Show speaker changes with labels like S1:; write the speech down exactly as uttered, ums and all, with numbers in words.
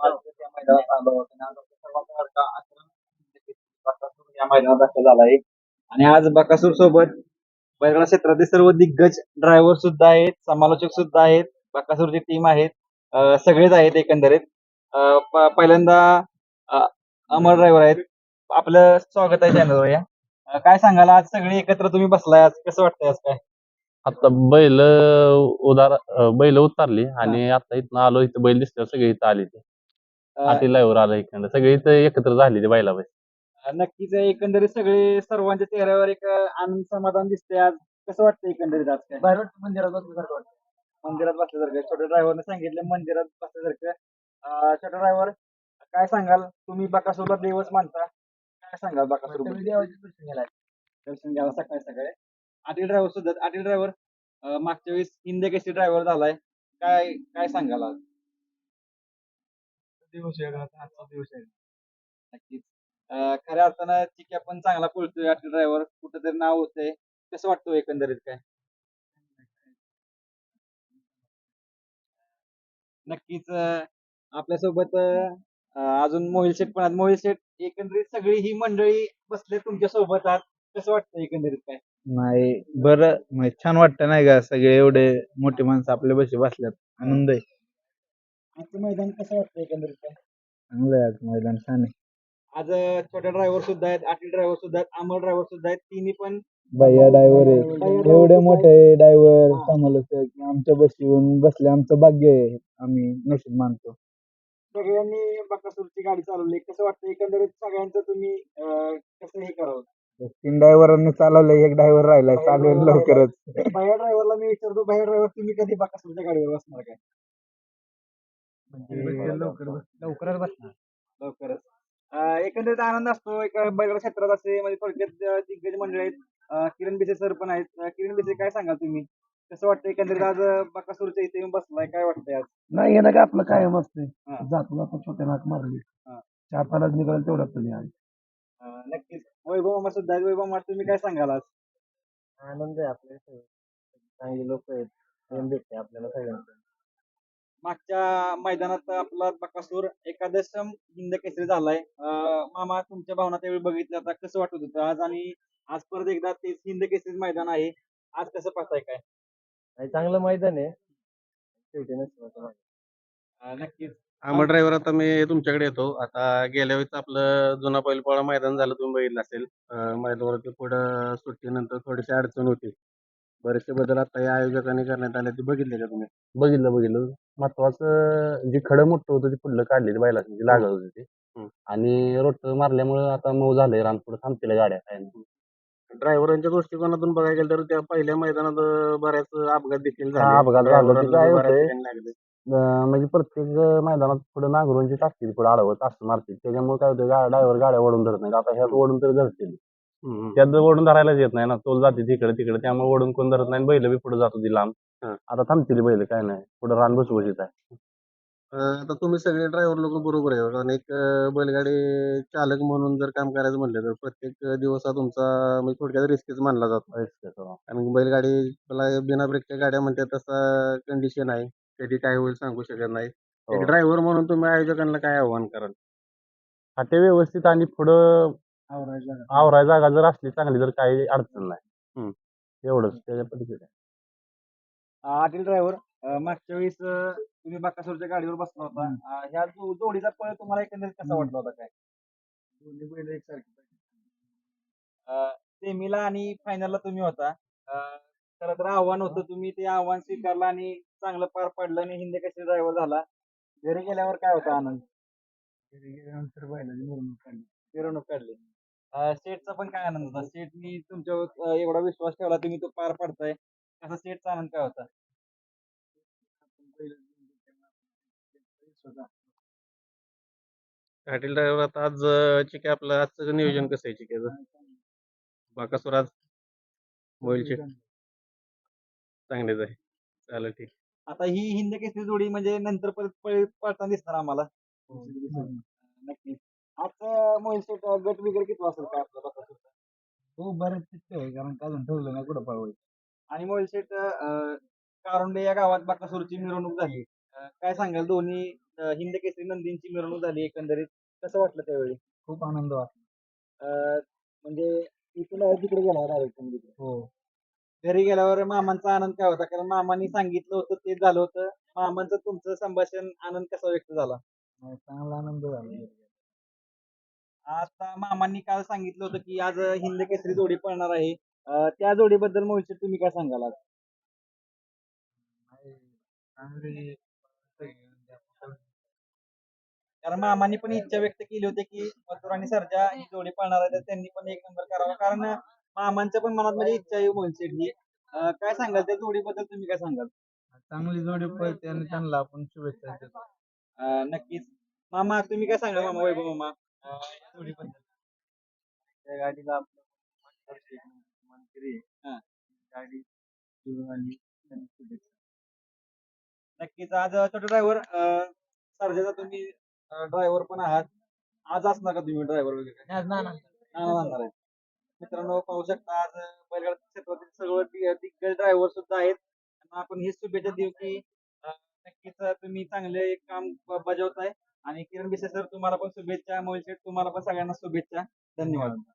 S1: आज त्या मैदानात आलो आहोत आणि आज आपल्या सर्वांचा लाडका अकरा बकासूर या मैदानात दाखल झाला आहे आणि आज बकासूर सोबत बैलगाडा क्षेत्रातील सर्व दिग्गज ड्रायव्हर सुद्धा आहेत, समालोचक सुद्धा आहेत, बकासूरची टीम आहेत, अं, सगळेच आहेत एकंदरीत. अं, प- पहिल्यांदा अं, अमर ड्रायव्हर आहेत. आपलं स्वागत आहे चॅनलवर या. अं, काय सांगाल आज सगळे एकत्र तुम्ही बसलाय, आज कसं वाटतंय आज काय?
S2: आता बैल उदार बैल उतारली आणि आता इथनं आलो, इथं बैल दिसते सगळे इथं आले ते
S1: अं,
S2: आटीलावर आलं इकडं सगळे इथं एकत्र झाले ते बैलाबाई.
S1: नक्कीच एकंदरीत सगळे सर्वांच्या चेहऱ्यावर एक अं, आनंद समाधान दिसते आज. कसं वाटतं एकंदरीत आज काय? बाहेर मंदिरात बसल्यासारखं वाटतं. मंदिरात बसल्यासारखं छोट्या ड्रायव्हरने सांगितलं मंदिरात बसल्यासारखं. अं, छोटा ड्रायव्हर काय सांगाल, तुम्ही बकासूरला देवच मानता, काय सांगाल बकासूर देवाचे दर्शन घ्यायला दर्शन घ्यायला सकाळी सकाळी आटील ड्रायव्हर सुद्धा आटील ड्रायव्हर मागच्या वेळेस हिंद केसरी ड्रायव्हर झालाय, काय काय सांगाल आज? दिवस आहे आजचा दिवस आहे. नक्कीच. अं, खऱ्या अर्थानं चिक्या पण चांगला पळतोय आटील ड्रायव्हर, कुठेतरी नाव होतंय. कसं वाटतं एकंदरीत काय? नक्कीच. अं, आपल्यासोबत अं, अजून मोहिल शेठ पण आहेत. मोहिल शेठ, एकंदरीत सगळी ही मंडळी बसले तुमच्या सोबत आज, कसं वाटतं एकंदरीत काय?
S3: नाही बरं म्हणजे छान वाटतं नाही का, सगळे एवढे मोठी माणसं आपल्या बशी बसल्यात, आनंद आहे.
S1: आजचं मैदान कसं वाटतं एकंदरीत काय?
S3: चांगलं आहे आज मैदान, छान आहे.
S1: आज अं, छोट्या ड्रायव्हर सुद्धा आहेत, आटील ड्रायव्हर सुद्धा आहेत, अमर ड्रायव्हर सुद्धा आहेत. तिन्ही पण
S3: भैया ड्रायव्हर आहे,
S1: भैया driver
S3: एवढे
S1: सुद्धा
S3: मोठे
S1: आहेत.
S3: ड्रायव्हर
S1: हा.
S3: समालोचक आमच्या बशी येऊन बसले, आमचं भाग्य आहे, आम्ही नशीब मानतो.
S1: सगळ्यांनी बकासूरची गाडी चालवली, कसं वाटतं एकंदरीत सगळ्यांचं तुम्ही अं, कसं हे करावं?
S3: तीन ड्रायव्हरांनी चालवलंय, एक ड्रायव्हर राहिलाय, चालवेल लवकरच.
S1: भैया ड्रायव्हरला मी विचारतो, भैया ड्रायव्हर तुम्ही कधी बकासूरच्या गाडीवर बसणार काय? म्हणजे लवकर लवकरच बसणार लवकरच. अं, एकंदरीत आनंद असतो एका बैलगाडा क्षेत्रात असे म्हणजे थोडक्यात अं, दिग्गज मंडळी आहेत. अं, किरण बिसे सर पण आहेत. अं, किरण बिसे काय सांगाल तुम्ही, कसं वाटतं एकंदरीत आज अं, बकासूरच्या इथे येऊन बसलाय, काय वाटतंय आज?
S4: नाही येणं काय आपलं कायम असते.
S1: हा.
S4: जातो जातो छोट्या नाक मारली
S1: हा.
S4: चार पाण्यात निघाल तेवढं तुम्ही आहे.
S1: अं, नक्कीच. वैभव मामा सुद्धा आहेत. वैभव मामा, तुम्ही काय सांगाल आज?
S4: आनंद आहे आपल्या चांगली लोक आहेत, प्रेम भेटते आपल्याला सगळ्यांना.
S1: मागच्या मैदानात आपला बकासूर एकादशम हिंद केसरी झालाय. अं, मामा, तुमच्या भावना त्यावेळी बघितल्या, आता कसं वाटत होतं आज, आणि आज परत एकदा तेच हिंद केसरी मैदान आहे, आज कसं पाहताय काय?
S4: आणि चांगलं मैदान आहे, शेवटी नसतं.
S1: अं, नक्कीच.
S2: आंबा ड्रायव्हर, आता मी तुमच्याकडे येतो. आता गेल्या वेळेस आपलं जुना बैलपोळा मैदान झालं, तुम्ही बघितलं असेल. अं, मैदानावरती पुढं सुट्टीनंतर थोडीशी अडचण होती. बरेचसे बदल आता या आयोजकांनी करण्यात आले, ते बघितले का तुम्ही? बघितलं बघितलं महत्वाचं जे खडं मोठं होतं ते पुढलं काढले बैलाची जी लागत होती ती. आणि रोट मारल्यामुळे आता मऊ झालंय, रान पुढे थांबतील गाड्या काय नाही. ड्रायव्हरांच्या दृष्टिकोनातून बघायला गेलं तर त्या पहिल्या मैदानात अं, बऱ्याच अपघात देखील झाले. अपघात झाले ते काय होतंय, अं, म्हणजे प्रत्येक मैदानात पुढे नांगरूनची टाकतील, पुढे आडवत असं मारतील, त्याच्यामुळे काय होतं, ड्रायव्हर गाड्या ओढून धरत नाही. आता ह्यात ओढून तरी धरतील, त्यात ओढून धरायलाच येत नाही ना, तोल जाते तिकडे तिकडे, त्यामुळे ओढून कोण धरत नाही, बैल बी पुढे जात होती लांब. आता थांबतील बैल, काय नाही, पुढे रान बसबशीत आहे. अं, आता तुम्ही सगळे ड्रायव्हर लोक बरोबर आहे, कारण एक अं, बैलगाडी चालक म्हणून जर काम करायचं म्हटलं तर प्रत्येक दिवस हा तुमचा म्हणजे थोडक्यात रिस्कच मानला जातो. कारण बैलगाडी बिना ब्रेकच्या गाड्या म्हणतात, तसा कंडिशन आहे, कधी काय होईल सांगू शकत नाही. एक ड्रायव्हर म्हणून तुम्ही आयोजकांना काय आव्हान कराल? हा, ते व्यवस्थित आणि पुढं आवराय जागा जर असली चांगली तर काही अडचण नाही. एवढंच त्याच्या पद्धतीने.
S1: आटील ड्रायव्हर, मागच्या वेळेस अं, तुम्ही बकासूरच्या गाडीवर बसला होता. अं, ह्या जो- जोडीचा पळ तुम्हाला एकंदरीत कसा वाटला होता काय? दोन्ही बैल एकसारखी. सेमीला आणि फायनलला तुम्ही होता. अं, खरं तर आव्हान होतं, तुम्ही ते आव्हान स्वीकारलं आणि चांगलं पार पडलं आणि हिंद केसरी ड्रायव्हर झाला. घरी गेल्यावर काय होता आनंद? घरी गेल्यानंतर बैलाची मिरवणूक काढली मिरवणूक काढली अं, सेठचा पण काय आनंद होता? सेठनी तुमच्यावर अं, एवढा विश्वास ठेवला, तुम्ही तो पार पाडताय, त्याचा सेठचा आनंद काय होता?
S2: पाटील ड्रायव्हर, आता आज अं, चिके आपलं आजचं नियोजन कसं आहे चिकेचं? बाकासुर आज मोबाईलचे चांगलेच आहे, चालेल ठीक.
S1: आता ही हिंद केसरी जोडी म्हणजे नंतर परत पळ- पळताना दिसणार आम्हाला. नक्कीच. आज मोहिल शेठ गट वगैरे किती असेल काय आपला बकासूरचा? हो, बरेच चित्त आहे, कारण का अजून ठरलं नाही कुठं पळवायचं. आणि मोहिल शेठ, अं, कारुंडे या गावात बकासूरची मिरवणूक झाली. अं, काय सांगाल दोन्ही अं, हिंद केसरी नंदींची मिरवणूक झाली एकंदरीत कसं वाटलं त्यावेळी?
S3: खूप आनंद वाटला.
S1: अं, म्हणजे इथून तिकडे गेला डायरेक्ट म्हणजे
S3: हो.
S1: घरी गेल्यावर मामांचा आनंद काय होता? कारण मामांनी सांगितलं होतं तेच झालं होतं. मामांचं तुमचं संभाषण आनंद कसा व्यक्त झाला?
S3: नाही, चांगला आनंद झाला.
S1: आता मामांनी काल सांगितलं होतं की आज हिंद केसरी जोडी पळणार आहे. अं, त्या जोडीबद्दल मोहित तुम्ही काय सांगाल आज?
S3: नाही, चांगली
S1: कारण मामांनी पण इच्छा व्यक्त केली होती की मथुर आणि सर्जा ही जोडी पळणार आहे तर त्यांनी पण एक नंबर करावा कारण मामांच्या पण मनात म्हणजे इच्छा आहे मोहित शेठची. अं, काय सांगाल त्या जोडीबद्दल तुम्ही काय सांगाल?
S3: चांगली जोडी पळते आणि त्यांना आपण शुभेच्छा देतो.
S1: अं, नक्कीच. मामा तुम्ही काय सांगाल मामा वैभव मामा अं, या जोडीबद्दल?
S4: त्या गाडीला आपलं मंत्री
S1: हा.
S4: गाडी घेऊन आली त्यांना शुभेच्छा.
S1: नक्कीच आज छोटे ड्रायव्हर सर्जाचा तुम्ही ड्रायव्हर पण आहात. आज असणार का तुम्ही ड्रायव्हर वगैरे?
S4: आज ना ना
S1: हा, असणार आहे. मित्रांनो पाहू शकता आज बैलगाडा क्षेत्रातील सर्व दि- दिग्गज ड्रायव्हर सुद्धा आहेत. त्यांना आपण ही शुभेच्छा देऊ की अं, नक्कीच तुम्ही चांगले काम ब- बजावताय आणि किरण बिसे सर तुम्हाला पण शुभेच्छा मोहित शेठ तुम्हाला पण सगळ्यांना शुभेच्छा धन्यवाद.